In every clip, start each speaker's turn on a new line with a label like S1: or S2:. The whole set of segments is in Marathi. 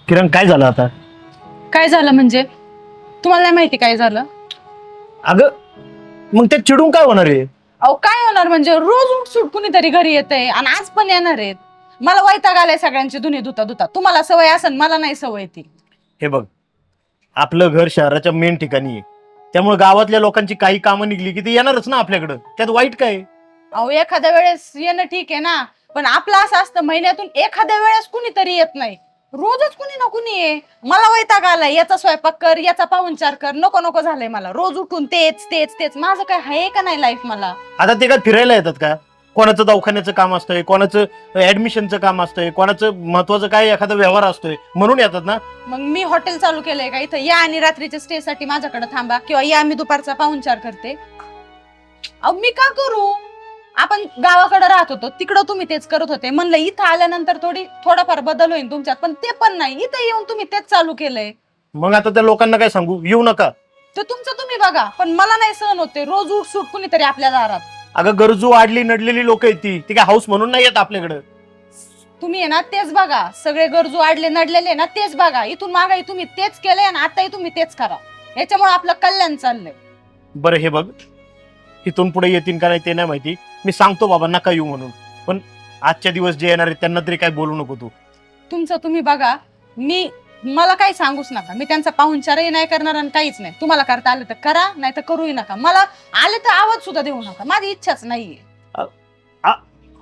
S1: किरण काय झालं आता?
S2: काय झालं म्हणजे? तुम्हाला नाही माहिती काय झालं?
S1: अगं मग ते चिडून काय होणार आहे?
S2: अहो काय होणार म्हणजे रोज उठसूट कुणीतरी घरी येतंय आणि आज पण येणार आहेत. मला वैताग आलाय सगळ्यांची धुनी धुता धुता. तुम्हाला सवय असेल, मला नाही सवय ती.
S1: हे बघ, आपलं घर शहराच्या मेन ठिकाणी आहे, त्यामुळे गावातल्या लोकांची काही कामं निघली की ती येणारच ना आपल्याकडं. त्यात वाईट काय आहे?
S2: अहो एखाद्या वेळेस येणं ठीक आहे ना, पण आपलं असं असतं महिन्यातून एखाद्या वेळेस कुणीतरी येत नाही. रोजच कुणी ना कुणी आहे. मला वैताग आलाय, याचा स्वयंपाक कर, याचा पाहुणचार कर, नको नको झालंय मला. रोज उठून तेच तेच तेच. माझं काय आहे का नाही लाईफ मला?
S1: आता ते काय फिरायला येतात का? कोणाचं दवाखान्याचं काम असतंय, कोणाचं ऍडमिशनचं काम असतंय, कोणाचं महत्वाचं काय एखादा व्यवहार असतोय म्हणून येतात ना.
S2: मग मी हॉटेल चालू केलंय का इथं? या आणि रात्रीच्या स्टे साठी माझ्याकडे थांबा, किंवा या मी दुपारचा पाहुणचार करते. अहो मी का करू? आपण गावाकडे राहत होतो, तिकडं तुम्ही तेच करत होते. म्हणलं इथं आल्यानंतर थोडाफार बदल होईल तुमच्यात, पण ते पण नाही. इथं येऊन तुम्ही तेच चालू केलंय.
S1: मग आता त्या लोकांना काय सांगू, येऊ नका?
S2: ते तुमचं तुम्ही बघा, पण मला नाही सहन होते रोज उठसूट कुणीतरी आपल्या दारात.
S1: अगं गरजू आडली नडलेली लोक आहेत ती काय हाऊस म्हणून नाही येत आपल्याकडं.
S2: तुम्ही आहे ना तेच बघा, सगळे गरजू आडले नडलेले ना तेच बघा. इथून मागाई तुम्ही तेच केलंय आणि आताही तुम्ही तेच करा. याच्यामुळे आपलं कल्याण चाललंय.
S1: बरं हे बघ, इथून पुढे येतील का नाही ते नाही माहिती. मी सांगतो बाबा नका येऊ म्हणून, पण आजच्या दिवस जे येणार आहेत त्यांना तरी काय बोलू नको तू.
S2: तुमचं तुम्ही बघा. मला काही सांगूच नका. मी त्यांचा पाहुणचारही नाही करणार आणि काहीच नाही. तुम्हाला करता आलं तर करा, नाही तर करूही नका. मला आले तर आवाज सुद्धा देऊ नका. माझी इच्छाच नाहीये.
S1: आ-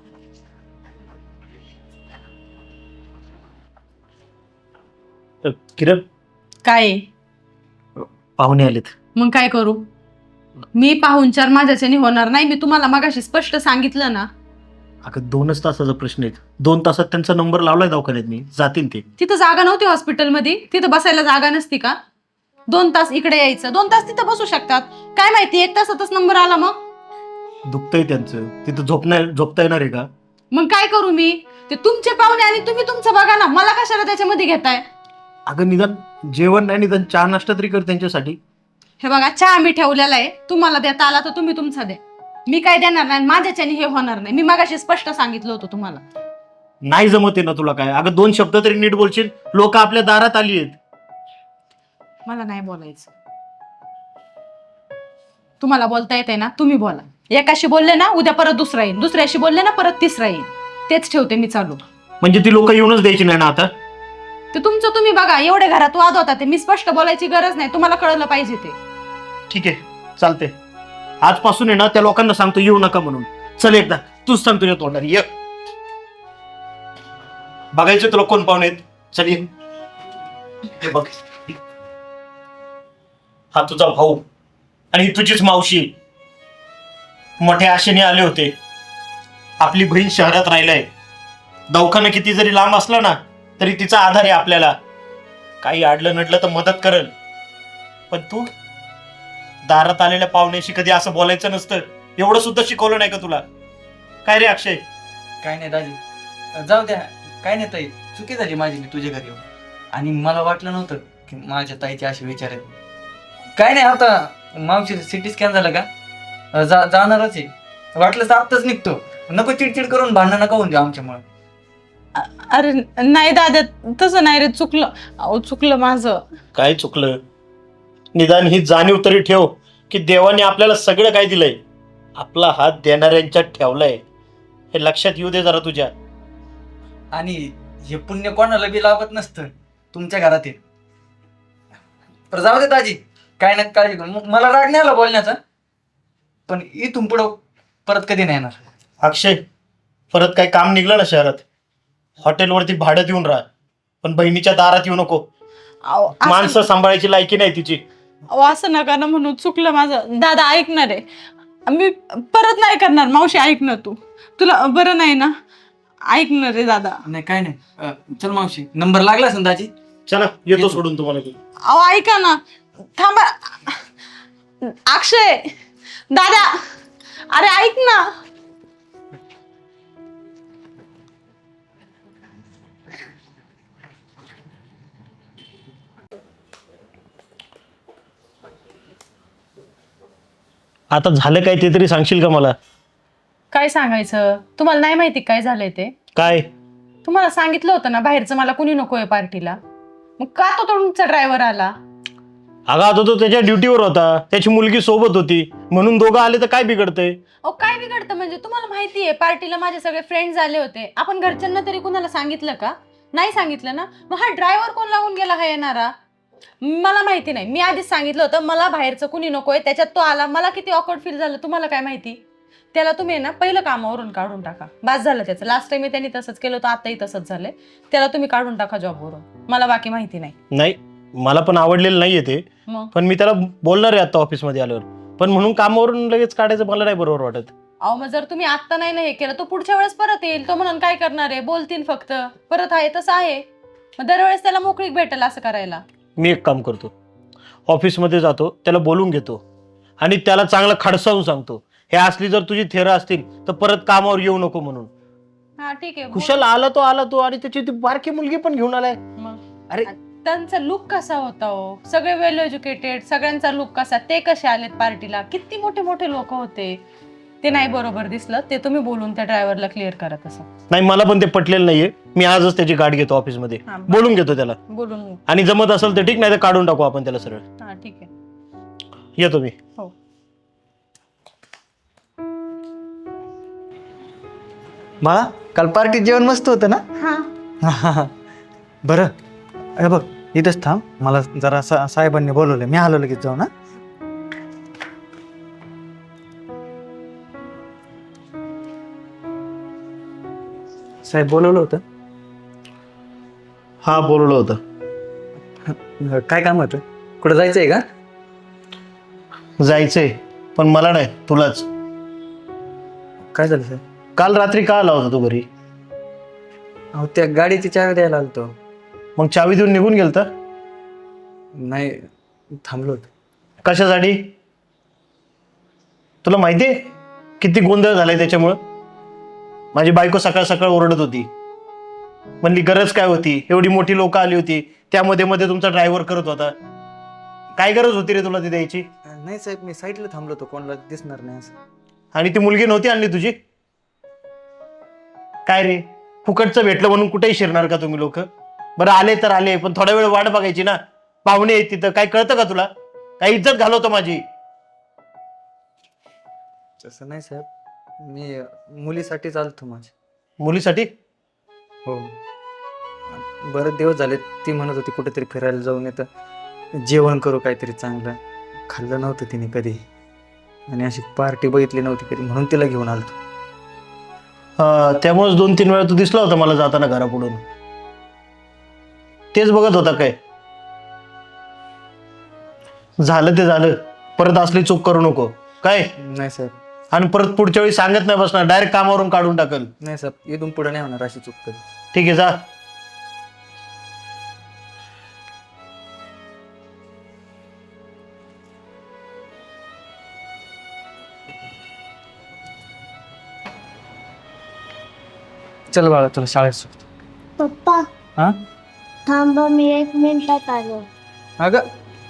S1: किरण,
S2: काय
S1: पाहुणे आलेत.
S2: मग काय करू? मी पाहुणचार माझ्याच्याने होणार नाही. मी तुम्हाला मगाशी स्पष्ट सांगितलं ना.
S1: अगं 2च तासाचा प्रश्न आहे. 2 तासात त्यांचा नंबर लावलाय दवाखान्यात, मी जातील ते.
S2: तिथं जागा नव्हती हॉस्पिटलमध्ये? तिथं बसायला जागा नसती का? 2 तास इकडे यायचं, 2 तास तिथं बसू शकतात. काय माहिती 1 तासातच नंबर आला. मग
S1: दुखतंय त्यांचं, तिथं झोपता येणार आहे का?
S2: मग काय करू मी? ते तुमचे पाहुणे आणि तुम्ही तुमचं बघा ना. मला कशाला त्याच्यामध्ये घेताय?
S1: अगं निदान जेवण नाही, निदान चहा नाश्ता तरी कर त्यांच्यासाठी.
S2: हे बघा, चहा मी ठेवलेला आहे. तुम्हाला देता आला तर तुम्ही तुमचा द्या. मी काय देणार नाही. माझ्याच्याने हे होणार नाही. मी मगाशी स्पष्ट सांगितलं होतं तुम्हाला.
S1: नाही जमत आहे ना तुला काय? अगं 2 शब्द तरी नीट बोलशील. लोक आपल्या दारात आली आहेत.
S2: मला नाही बोलायचं. तुम्हाला बोलता येते ना, तुम्ही बोला. एकाशी बोलले ना उद्या परत दुसरा येईल, दुसऱ्याशी बोलले ना परत तिसरा येईल. तेच ठेवते मी चालू.
S1: म्हणजे ती लोक येऊनच द्यायची नाही ना आता?
S2: ते तुमचं तुम्ही बघा. एवढे घरात वाद होता ते मी स्पष्ट बोलायची गरज नाही. तुम्हाला कळलं पाहिजे ते.
S1: ठीक आहे, चालते. आजपासून आहे ना त्या लोकांना सांगतो येऊ नका म्हणून. चल एकदा तूच सांग तुझ्या तोंडाने ये. बघायचं तुला कोण पाहुणे आहेत. चल ये. हे बघ, हा तुझा भाऊ आणि ही तुझीच मावशी. मोठ्या आशेने आले होते. आपली बहीण शहरात राहिलाय. दवाखाना किती जरी लांब असला ना तरी तिचा आधार आहे आपल्याला. काही अडलं नडलं तर मदत करल. पण तू दारात आलेल्या पाहुण्याशी कधी असं बोलायचं नसतं. एवढं सुद्धा शिकवलं नाही का तुला? काय रे अक्षय?
S3: काय नाही दाजी, जाऊ द्या. काय नाही ताई, चुकी झाली माझी मी तुझ्या घरी येऊन. आणि मला वाटलं नव्हतं की माझ्या ताईचे असे विचार आहेत. काय नाही, आता मावशी सिटी स्कॅन झालं का? जाणारच आहे. वाटलं तर आत्ताच निघतो. नको चिडचिड करून भांडणं नका होऊन देऊ आमच्यामुळे.
S2: अरे नाही दादा, तसं नाही रे. चुकलं. अहो चुकलं माझं.
S1: काय चुकलं? निदान ही जाणीव तरी ठेव की देवाने आपल्याला सगळं काय दिलंय. आपला हात देणाऱ्यांच्यात ठेवलाय. हे लक्षात येऊ दे जरा तुझ्या.
S3: आणि हे पुण्य कोणाला बी लाभत नसतं तुमच्या घरात आहे. तर जाऊ दे दाजी, काय नाही काळजी करू. मला राग नाही आला बोलण्याचा, पण इथून पुढं परत कधी नाही येणार.
S1: अक्षय, परत काय काम निघलं ना शहरात, हॉटेलवरती भाडं देऊन राहा, पण बहिणीच्या दारात येऊ नको.
S2: अहो
S1: माणसं सांभाळायची लायकी नाही तिची.
S2: असं नका ना म्हणून. चुकलं माझं. दादा ऐकणार आहे. मी परत नाही करणार. मावशी ऐक ना तू. तुला बरं नाही ना? ऐकणार आहे दादा.
S3: नाही काय नाही. चल मावशी, नंबर लागला असेल दाजी.
S1: चला येतो सोडून तुम्हाला.
S2: अहो ऐका ना, थांबा. अक्षय, दादा, अरे ऐक ना.
S1: आता झालं काय ते तरी सांगशील का मला?
S2: काय सांगायचं? तुम्हाला नाही माहिती काय झालंय ते?
S1: काय?
S2: तुम्हाला सांगितलं होतं ना बाहेरचं मला कुणी नकोय पार्टीला. मग का तो तुमचा ड्रायव्हर आला?
S1: अगं आता तो त्याच्या ड्युटीवर होता, त्याची मुलगी सोबत होती, म्हणून दोघं आले तर काय बिघडतंय?
S2: अहो काय बिघडतं म्हणजे? तुम्हाला माहितीये पार्टीला माझे सगळे फ्रेंड्स आले होते. आपण घरच्यांना तरी कुणाला सांगितलं का? नाही सांगितलं ना. मग हा ड्रायव्हर कोण लागून गेला हा येणारा? मला माहिती नाही. मी आधीच सांगितलं होतं मला बाहेरचं कुणी नकोय. त्याच्यात तो आला. मला किती ऑकवर्ड फील झालं तुम्हाला काय माहिती. त्याला तुम्ही ना पहिलं कामावरून काढून टाका. बास झालं त्याचं. लास्ट टाइम त्यांनी तसंच केलं होतं, आताही तसंच झालंय. त्याला तुम्ही काढून टाका जॉबवरून. मला बाकी माहिती नाही.
S1: नाही, मला पण आवडलेलं नाहीये ते,
S2: मग
S1: पण मी त्याला बोलणार आहे आता ऑफिसमध्ये आल्यावर. पण म्हणून कामावरून लगेच काढायचं मला नाही बरोबर वाटत.
S2: अहो मग जर तुम्ही आत्ता नाही ना हे केलं तो पुढच्या वेळेस परत येईल. तो म्हणून काय करणार आहे? बोलतील फक्त. परत आहे तसं आहे. मग दरवेळेस त्याला मोकळीक भेटेल असं करायला.
S1: मी एक काम करतो, ऑफिसमध्ये जातो, त्याला बोलून घेतो आणि त्याला चांगलं खडसावून सांगतो, हे असली जर तुझी थेरं असतील तर परत कामावर येऊ नको म्हणून.
S2: हा ठीक आहे.
S1: कुशल आला तो आणि त्याची ती बारकी मुलगी पण घेऊन आलाय.
S2: मग
S1: अरे
S2: त्यांचा लुक कसा होता हो? सगळे वेल एज्युकेटेड, सगळ्यांचा लुक कसा? ते कसे आलेत पार्टीला? किती मोठे मोठे लोक होते. ते नाही बरोबर दिसलं. ते तुम्ही बोलून त्या ड्रायव्हरला क्लिअर करा तसं.
S1: नाही, मला पण ते पटलेलं नाहीये. मी आजच त्याची गाठ घेतो ऑफिसमध्ये,
S2: हा, बरं.
S1: बोलून घेतो त्याला.
S2: बोलून
S1: आणि जमत असेल तर ठीक, नाही तर काढून टाकू आपण त्याला सरळ.
S2: हा ठीक आहे.
S1: येतो मी.
S2: हो.
S3: बाळा, काल पार्टीत जेवण मस्त होतं ना?
S2: हा
S3: बरं, अरे बघ इथंच थांब. मला जरा साहेबांनी बोलवलं, मी आलो लगेच जाऊ ना. साहेब बोलवलं होतं?
S1: हा, बोलवलं होतं.
S3: काय काम होतं? कुठं जायचंय का?
S1: जायचंय, पण मला नाही, तुलाच.
S3: काय झालं साहेब?
S1: काल रात्री का आला होता तू घरी?
S3: अहो त्या गाडीची चावी द्यायला आलतो.
S1: मग चावी देऊन निघून गेलता?
S3: नाही, थांबलो होतो.
S1: कशासाठी? तुला माहितीये किती गोंधळ झालाय त्याच्यामुळं? माझी बायको सकाळ सकाळ ओरडत होती, म्हणली गरज काय होती, एवढी मोठी लोक आली होती, त्यामध्ये मध्ये तुमचा ड्रायव्हर करत होता. काय गरज होती रे तुला ती द्यायची?
S3: नाही साहेब, मी साईडला थांबलो होतो, कोणाला दिसणार नाही असं.
S1: आणि ती मुलगी नव्हती आणली तुझी? काय रे, फुकटचं भेटलं म्हणून कुठेही शिरणार का तुम्ही लोक? बरं आले तर आले, पण थोडा वेळ वाट बघायची ना. पाहुणे आहेत तिथं, काय कळतं का तुला? काय इज्जत घालवतो माझी?
S3: तसं नाही साहेब, मी मुलीसाठी चालतो माझ्या.
S1: मुलीसाठी?
S3: हो, बरेच दिवस झाले. ती म्हणत होती कुठेतरी फिरायला जाऊन येतं, जेवण करू काहीतरी चांगलं. खाल्लं नव्हतं तिने कधी, आणि अशी पार्टी बघितली नव्हती कधी, म्हणून तिला घेऊन आलतो.
S1: त्यामुळेच 2-3 वेळा तू दिसला होता मला जाताना घरापुढून. तेच बघत होता काय? झालं ते झालं, परत असली चूक करू नको काय.
S3: नाही साहेब.
S1: आणि परत पुढच्या वेळी सांगत नाही बसणार, डायरेक्ट कामावरून काढून टाकल.
S3: नाही साहेब, इथून पुढे नाही होणार अशी चूक कधी.
S1: ठीक आहे, जा.
S3: चल बाळा, तुला शाळेत सुट.
S4: पप्पा
S3: हा
S4: थांबा, मी 1 मिनिटात आलो.
S3: अगं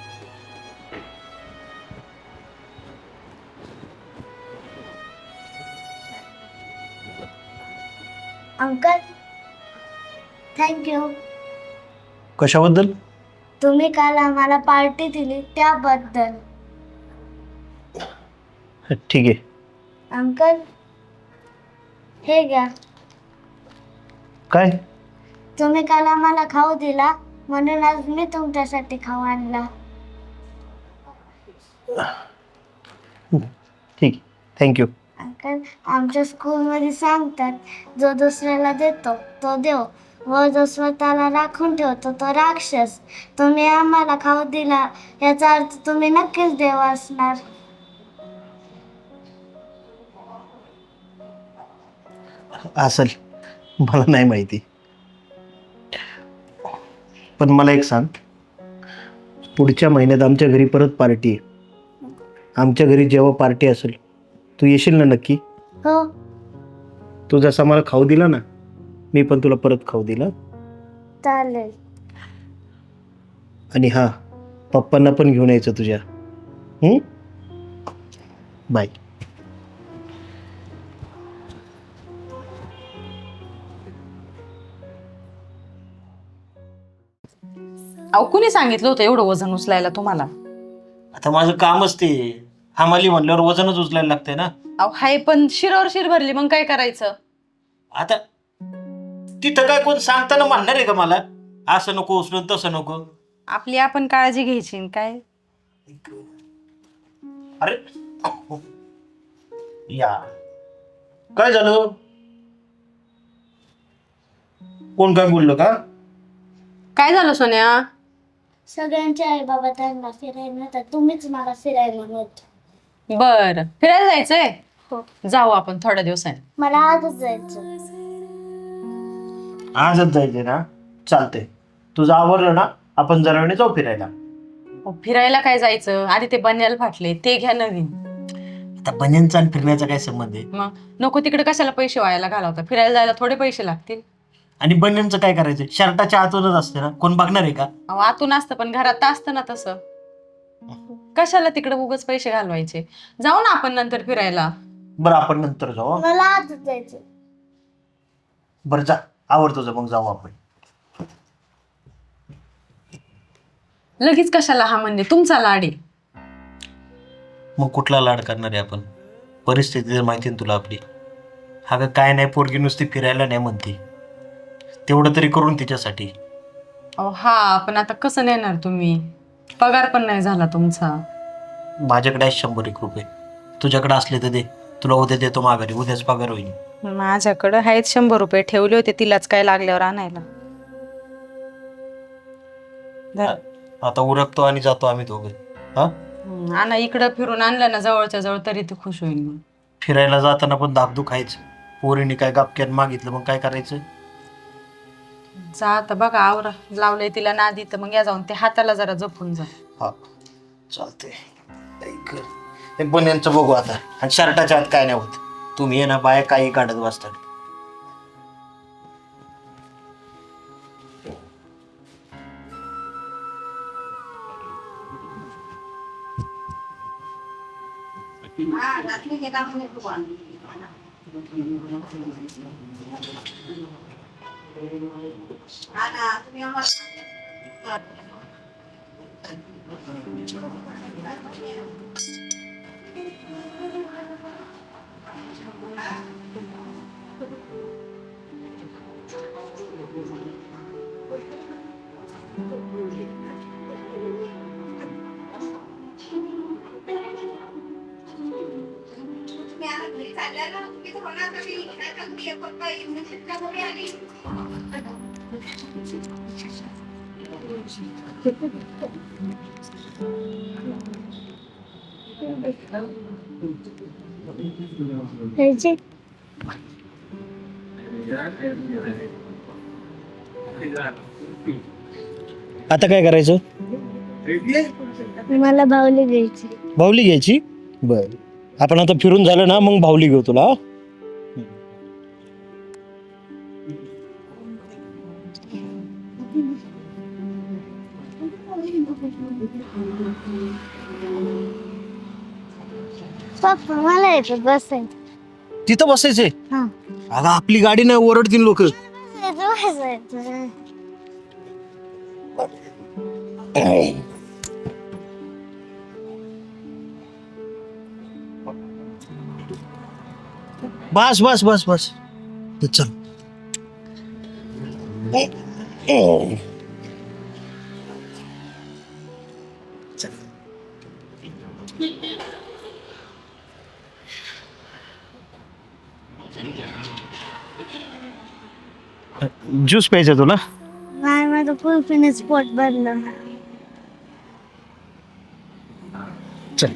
S4: अंकल, थँक्यू.
S1: कशाबद्दल?
S4: तुम्ही काल आम्हाला पार्टी दिली त्याबद्दल.
S1: ठीक आहे.
S4: अंकल, हे घ्या.
S1: काय?
S4: तुम्ही काल आम्हाला खाऊ दिला म्हणून आज मी तुमच्यासाठी खाऊ आणला.
S1: ठीक, थँक्यू.
S4: अंकल, आमच्या स्कूलमध्ये सांगतात, जो दुसऱ्याला देतो तो देव, व जो स्वतःला राखून ठेवतो तो राक्षस. तुम्ही आम्हाला खाऊ दिला याचा अर्थ तुम्ही नक्कीच देव असणार.
S1: असेल, मला नाही माहिती. पण मला एक सांग, पुढच्या महिन्यात आमच्या घरी परत पार्टी आहे. आमच्या घरी जेव्हा पार्टी असेल तू येशील ना नक्की?
S4: हो,
S1: तू जसा मला खाऊ दिला ना, मी पण तुला परत खाऊ दिला.
S4: चालेल.
S1: आणि हा, पप्पांना पण घेऊन यायचं तुझ्या. बाय.
S2: अहो कुणी सांगितलं होतं एवढं वजन उचलायला तुम्हाला?
S1: आता माझं कामच ते हमाली म्हणल्यावर वजनच उचलायला लागतंय ना.
S2: अहो हाय पण शिरावर शिर भरली मग काय करायचं?
S1: आता तिथं काय कोण सांगताना म्हणणार आहे का मला असं नको उचलून तसं नको?
S2: आपली आपण काळजी घ्यायची न काय.
S1: अरे या काय झालं? कोण काय बोललं का?
S2: काय झालं सोन्या?
S4: सगळ्यांचे आई बाबा त्यांना फिरायला नेतात, तुम्हीच मला फिरायला नेत.
S2: बर फिरायला जायचंय?
S4: हो.
S2: जाऊ आपण थोड्या दिवसांनी.
S4: मला आजच जायचं.
S1: आजच जायचंय ना? चालतंय. तुझं आवरलं ना? आपण जरा वेळाने जाऊ फिरायला.
S2: अहो, फिरायला काय जायचं? आधी ते बन्याल फाटले ते घ्या नवीन.
S1: आता बन्यांचा आणि फिरण्याचा काय संबंध आहे?
S2: मग नको तिकडे कशाला पैसे व्हायला घालवता? फिरायला जायला थोडे पैसे लागतील.
S1: आणि बन्यांचं काय करायचं? शर्टाच्या आतूनच असते ना, कोण बघणार आहे का?
S2: अहो आतून असतं पण घरात तर असतं ना तसं. कशाला तिकडे उगाच पैसे घालवायचे? जाऊ ना आपण नंतर फिरायला.
S1: बरं आपण नंतर जाऊ.
S4: मला आजच जायचं.
S1: बरं जा, आवडतो जा, मग जाऊ आपण.
S2: लगेच कशाला हा म्हणजे तुमचा लाड आहे.
S1: मग कुठला लाड करणार आहे आपण? परिस्थिती जर माहिती ना तुला आपली. हा काय नाही, पोरगी नुसती फिरायला नाही म्हणते, तेवढं तरी करून तिच्यासाठी.
S2: अहो हा पण आता कसं नेणार तुम्ही? पगार पण नाही झाला तुमचा.
S1: माझ्याकडे आहे 100 रुपये, तुझ्याकडे असले तर दे. तुला उद्या देतो माघारी, उद्याच पगार होईल.
S2: माझ्याकडे आहेत 100 रुपये ठेवले होते, तिलाच काय लागल्यावर आणायला. धर.
S1: आता उरकतो आणि जातो आम्ही दोघे. हा
S2: आणा इकडं फिरून आणलं ना जवळच्या जवळ तरी ते खुश होईल. मग
S1: फिरायला जाताना पण धाकधूक आहेच. पोरीने काय गापक्यात मागितलं मग काय करायचं?
S2: जा आता बघा आवरा लावलंय तिला नादी तर मग या जाऊन ते हाताला जरा जपून जा.
S1: हा चालते. हे बन्यांचं बघू आता. आणि शर्टाच्या आत काय नाही होत. तुम्ही ये ना बाया काही काढत बसतात.
S4: ह्याची
S1: आता काय करायचं?
S4: मला बाहुली घ्यायची.
S1: बाहुली घ्यायची? बर, आपण आता फिरून झालं ना मग बाहुली घेऊ तुला.
S4: पप्पा मला येतं बसायचं.
S1: तिथं बसायचंय?
S4: हा
S1: अगं आपली गाडी नाही, ओरडतील लोक.
S4: बसायचं.
S1: बस बस बस बस चल. ज्यूस प्यायचं तुला?
S4: नाही माझं कुल्फीने स्पोर्ट भरलं.
S1: चल.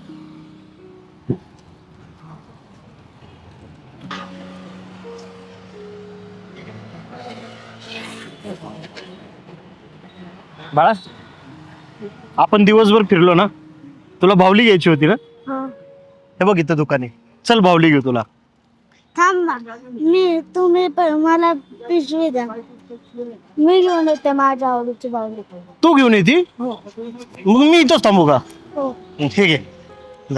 S1: बाळा आपण दिवसभर फिरलो ना, तुला बाहुली घ्यायची होती ना?
S4: हो.
S1: हे बघ इथं दुकान आहे, चल बाहुली घेऊ तुला.
S4: थांबा तुम्ही पण मला पिशवी द्या, मी घेऊन येते माझ्या आवडीची बाहुली.
S1: तू घेऊन येते?
S4: हो
S1: मग मी इथंच थांबू का?
S4: हो.
S1: ठीक आहे जा.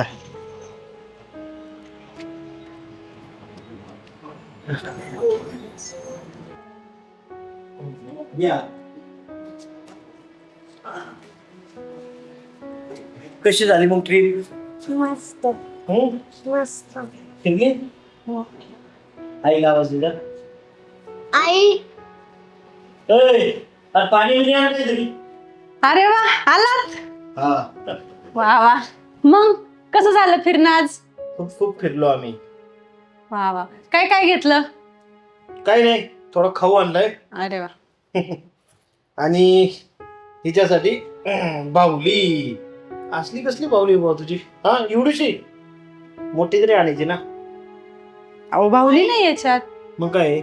S1: कशी झाली मग ट्रिप?
S4: मस्त मस्त.
S1: फिरली?
S4: हो.
S1: आईला आवाज दिला.
S4: आई
S1: अरे पाणी बिणी आण काहीतरी.
S2: अरे वा, आलात.
S1: हा,
S2: वा वा. मग कसं झालं फिरणं आज?
S1: खूप खूप फिरलो आम्ही.
S2: वा वा. काय काय घेतलं?
S1: काही नाही, थोडं खाऊ आणलाय
S2: अरे वा.
S1: आणि हिच्यासाठी बाहुली. असली कसली बाहुली बाबा तुझी? हा, एवढीशी मोठी तरी आणायची ना.
S2: अहो बाहुली नाही याच्यात,
S1: मग काय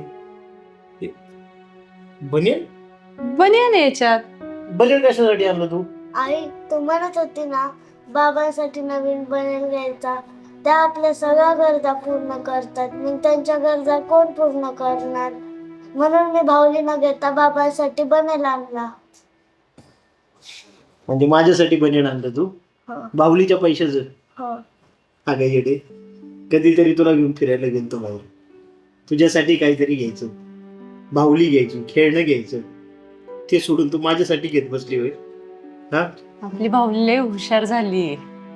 S1: बनियन?
S2: बनियान आहे याच्यात.
S1: बनियन कशासाठी आणलं तू?
S4: आई तू म्हणत होती ना बाबांसाठी नवीन बनेल घ्यायचा. त्या आपल्या सगळ्या गरजा पूर्ण करतात. मग त्यांच्या गरजा कोण पूर्ण करणार? म्हणून मी भावली न घेता बाबांसाठी बनेल आणला.
S1: म्हणजे माझ्यासाठी बनियन आणलं तू?
S4: हो
S1: बाहुलीच्या पैशाचं?
S4: हो.
S1: अगं येडे, कधीतरी तुला घेऊन फिरायला गेलतो बाहेर, तुझ्यासाठी काहीतरी घ्यायचं, बाहुली घ्यायची, खेळणं घ्यायचं, ते सोडून तू माझ्यासाठी घेत बसली होय? हा,
S2: आपली बाहुली लय हुशार झाली.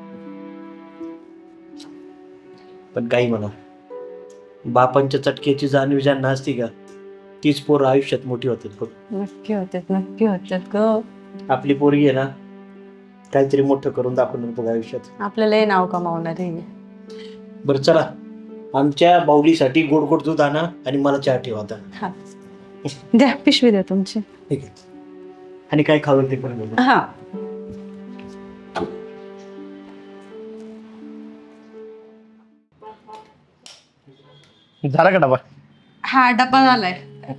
S1: पण काही म्हणा, बापांच्या चटक्याची जाणीव ज्यांना असती का तीच पोरं आयुष्यात मोठी होतात बघ.
S2: नक्की होतात ग.
S1: आपली पोरगी आहे ना, काहीतरी मोठं करून दाखवणार बघ आयुष्यात.
S2: आपल्याला हे नाव कमावणार आहे.
S1: बरं चला, आमच्या बाहुलीसाठी गोड गोड दूध आणा आणि मला चहा ठेवा आता.
S2: हा, द्या पिशवी द्या तुमची.
S1: ठीक आहे, आणि काय खावं ते पण बघू.
S2: हा.
S1: झाला का डबा?
S2: हा, डब्बा झालाय.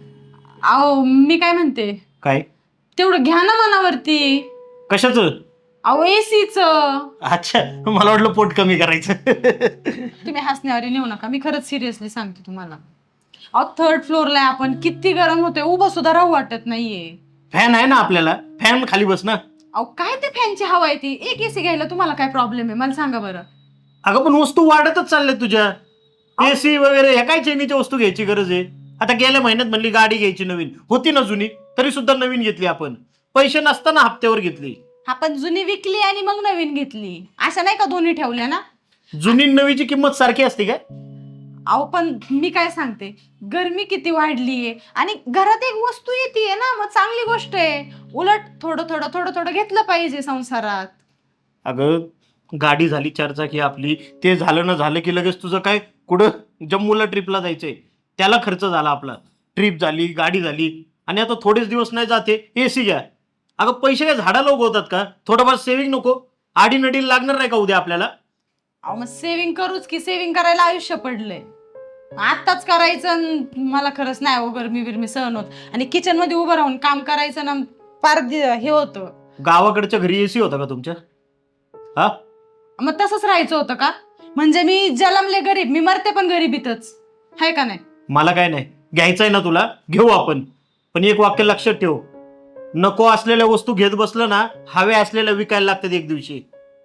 S2: अहो मी काय म्हणते,
S1: काय?
S2: तेवढं घ्या ना मनावरती.
S1: कशाचं?
S2: अहो एसीच.
S1: अच्छा, मला वाटलं पोट कमी करायचं.
S2: तुम्ही हसण्यावर नेऊ नका, मी खरंच सिरियसली सांगते तुम्हाला. अहो 3rd फ्लोअरला आपण, किती गरम होते, उभं सुद्धा राहू वाटत नाहीये.
S1: फॅन आहे ना आपल्याला, फॅन खाली बस ना.
S2: अहो काय ते फॅनची हवा आहे ती. एक एसी घ्यायला तुम्हाला काय प्रॉब्लेम आहे मला सांगा बरं.
S1: अगं पण वस्तू वाढतच चालल्या तुझ्या. एसी वगैरे ह्या काय चैनीच्या वस्तू घ्यायची गरज आहे? आता गेल्या महिन्यात म्हणली गाडी घ्यायची नवीन, होती ना जुनी, तरी सुद्धा नवीन घेतली आपण. पैसे नसताना हप्त्यावर घेतली.
S2: आपण जुनी विकली आणि मग नवीन घेतली, अशा नाही का दोन्ही ठेवल्या ना?
S1: जुनी नवीची किंमत सारखी असते काय?
S2: अहो पण मी काय सांगते, गरमी किती वाढलीये आणि घरात एक वस्तू येते ना, मग चांगली गोष्ट आहे. उलट थोडं थोडं घेतलं पाहिजे संसारात.
S1: अगं गाडी झाली 4 चाकी आपली, ते झालं ना झालं की लगेच तुझं काय, कुठं जम्मूला ट्रिपला जायचंय त्याला खर्च झाला आपला. ट्रिप झाली, गाडी झाली, आणि आता थोडेच दिवस नाही जाते एसी घ्या. अगं पैसे काय झाडाला उगवतात का? थोडंफार सेव्हिंग नको? आडीनडीला लागणार नाही का उद्या आपल्याला?
S2: अहो मग सेव्हिंग करूच की, सेव्हिंग करायला आयुष्य पडलंय. आत्ताच करायचं मला खरंच नाही हो गरमी बिरमी सहन होत. आणि किचन मध्ये उभं राहून काम करायचं ना, फार हे होतं.
S1: गावाकडच्या घरी एसी होता का तुमच्या? हा,
S2: मग तसंच राहायचं होतं का? म्हणजे मी जलमले गरीब, मी मरते पण गरीबीतच, आहे का नाही?
S1: मला काय नाही, घ्यायचंय ना तुला, घेऊ आपण. पण एक वाक्य लक्षात ठेव, नको असलेल्या वस्तू घेत बसलं ना, हव्या असलेल्या विकायला लागतात एक दिवशी.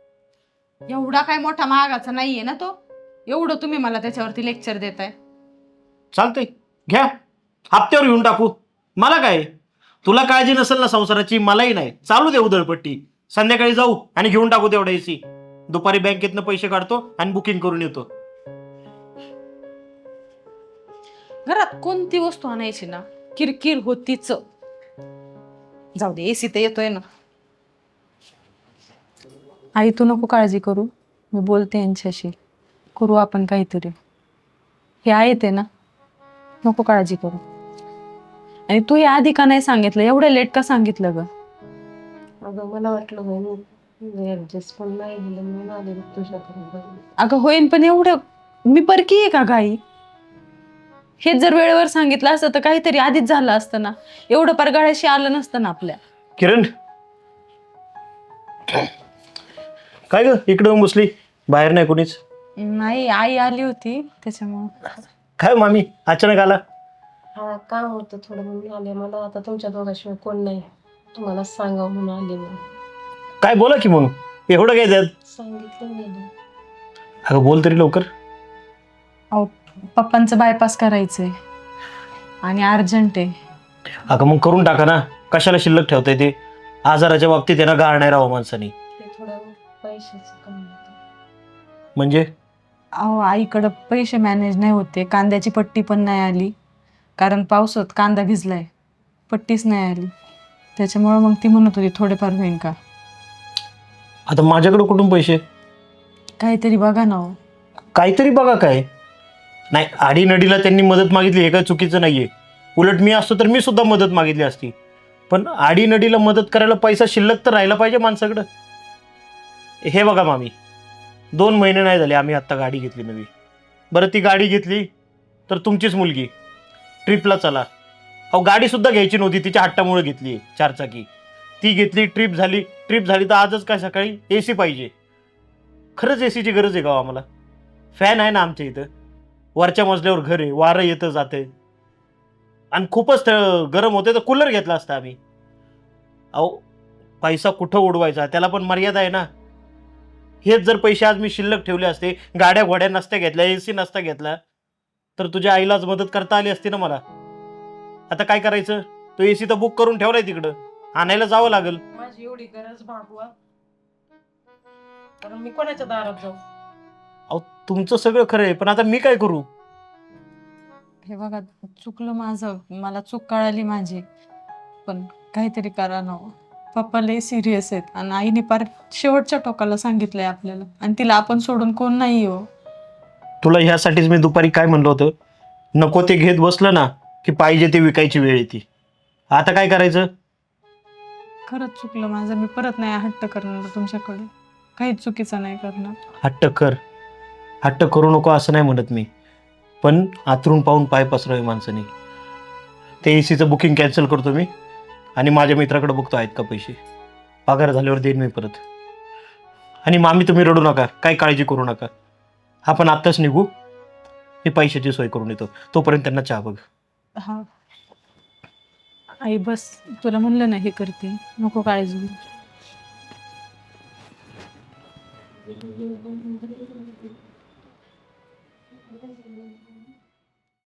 S2: एवढा काय मोठा महागाचा नाहीये ना तो, एवढं तुम्ही मला त्याच्यावरती लेक्चर देताय.
S1: चालतंय, घ्या, हप्त्यावर घेऊन टाकू. मला काय, तुला काळजी नसेल ना संसाराची, मलाही नाही. चालू दे उधळपट्टी, संध्याकाळी जाऊ आणि घेऊन टाकू तेवढा एसी. दुपारी बँकेतनं पैसे काढतो आणि बुकिंग करून येतो.
S2: घरात कोणती वस्तू आणायची ना, किरकिर होतीच. जाऊ दे, एसी तर येतोय ना. आई तू नको काळजी करू, मी बोलते यांच्याशी, करू आपण काहीतरी. हे आहे ते ना, नको काळजी करू. आणि तू या आधी का नाही सांगितलं, एवढं लेट का सांगितलं ग?
S5: अगं मला वाटलं ऍडजस्ट पण नाही झालं म्हणून आले तुझ्याकडे.
S2: अगं होईन, पण एवढं मी परकी आहे का गाई? हे जर वेळेवर सांगितलं असतं तर काहीतरी आधीच झालं असतं ना, एवढं परगाळ्याशी आलं नसतं ना आपल्या.
S1: किरण, काय ग इकडं बसली, बाहेर नाही कोणीच?
S2: नाही, आई आली होती त्याच्यामुळं.
S1: काय मामी अचानक आला?
S5: हा काम होतं थोडं म्हणून आले. मला आता तुमच्या दोघांशिवाय कोण नाही, तुम्हाला सांगावं म्हणून आले मी.
S1: काय बोला की मग, एवढं काय त्यात?
S5: सांगितलं नाही.
S1: अगं बोल तरी लवकर.
S2: अहो पप्पांचं बायपास करायचंय आणि अर्जंट आहे.
S1: अगं मग करून टाका ना, कशाला शिल्लक ठेवताय ते? आजाराच्या बाबतीत त्यांना गाळ नाही राहावं माणसाने.
S5: ते थोडं पैशाचं कमी होतं.
S1: म्हणजे
S2: अहो आईकडं पैसे मॅनेज नाही होते, कांद्याची पट्टी पण नाही आली, कारण पावसात कांदा भिजलाय, पट्टीच नाही आली. त्याच्यामुळं मग ती म्हणत होती थोडेफार होईन का.
S1: आता माझ्याकडे कुठून पैसे?
S2: काहीतरी बघा ना हो.
S1: काहीतरी बघा काय. नाही, आडीनडीला त्यांनी मदत मागितली हे काय चुकीचं नाहीये. उलट मी असतो तर मी सुद्धा मदत मागितली असती. पण आडीनडीला मदत करायला पैसा शिल्लक तर राहिला पाहिजे माणसाकडं. हे बघा मामी, 2 महिने नाही झाले आम्ही आत्ता गाडी घेतली नवी. बरं, ती गाडी घेतली तर तुमचीच मुलगी ट्रिपला चला. अहो गाडी सुद्धा घ्यायची नव्हती, तिच्या हट्टामुळे घेतली 4 चाकी. ती घेतली, ट्रिप झाली तर आजच काय सकाळी AC पाहिजे. खरंच ACची गरज आहे का हो आम्हाला? फॅन आहे ना आमच्या इथं, वरच्या मजल्यावर घर आहे, वारं येतं जातं, आणि खूपच गरम होते तर कूलर घेतला असता आम्ही. अहो पैसा कुठं उडवायचा, त्याला पण मर्यादा आहे ना. हेच जर पैसे आज मी शिल्लक ठेवले असते, गाड्या घोड्या नसत्या घेतल्या, AC नसता घेतला, तर तुझ्या आईलाच मदत करता आली असती ना मला. आता काय करायचं? तो AC तर बुक करून ठेवलाय तिकडं, आणायला जावं लागेल.
S5: माझी एवढी गरज भागवा, कारण मी कोणाच्या दारात जाऊ?
S1: अहो तुमचं सगळं खरं आहे, पण आता मी काय करू?
S2: हे बघा, चुकलं माझं, मला चूक कळाली माझी, पण काहीतरी करा ना हो. पप्पा लय सिरियस आहेत आणि आईने पार शेवटच्या टोकाला सांगितलंय आपल्याला, आणि तिला आपण सोडून कोण नाही हो.
S1: तुला ह्यासाठीच मी दुपारी काय म्हणलं होतं, नको ते घेत बसलं ना की पाहिजे ते विकायची वेळ येते. आता काय करायचं?
S2: खरंच चुकलं माझं, मी परत नाही हट्ट करणार तुमच्याकडे, काहीच चुकीचं नाही करणार.
S1: हट्ट कर, हट्ट करू नको असं नाही म्हणत मी, पण आतरून पाहून पाय पसरावे माणसाने. ते ACचं बुकिंग कॅन्सल करतो मी, आणि माझ्या मित्राकडे बघतो आहेत का पैसे. पगार झाल्यावर देईन मी परत. आणि मामी तुम्ही रडू नका, काही काळजी करू नका. आपण आत्ताच निघू, मी पैशाची सोय करून येतो, तोपर्यंत त्यांना चहा बघ.
S2: हा आई बस, तुला म्हणलं ना हे करते, नको काळजी करू.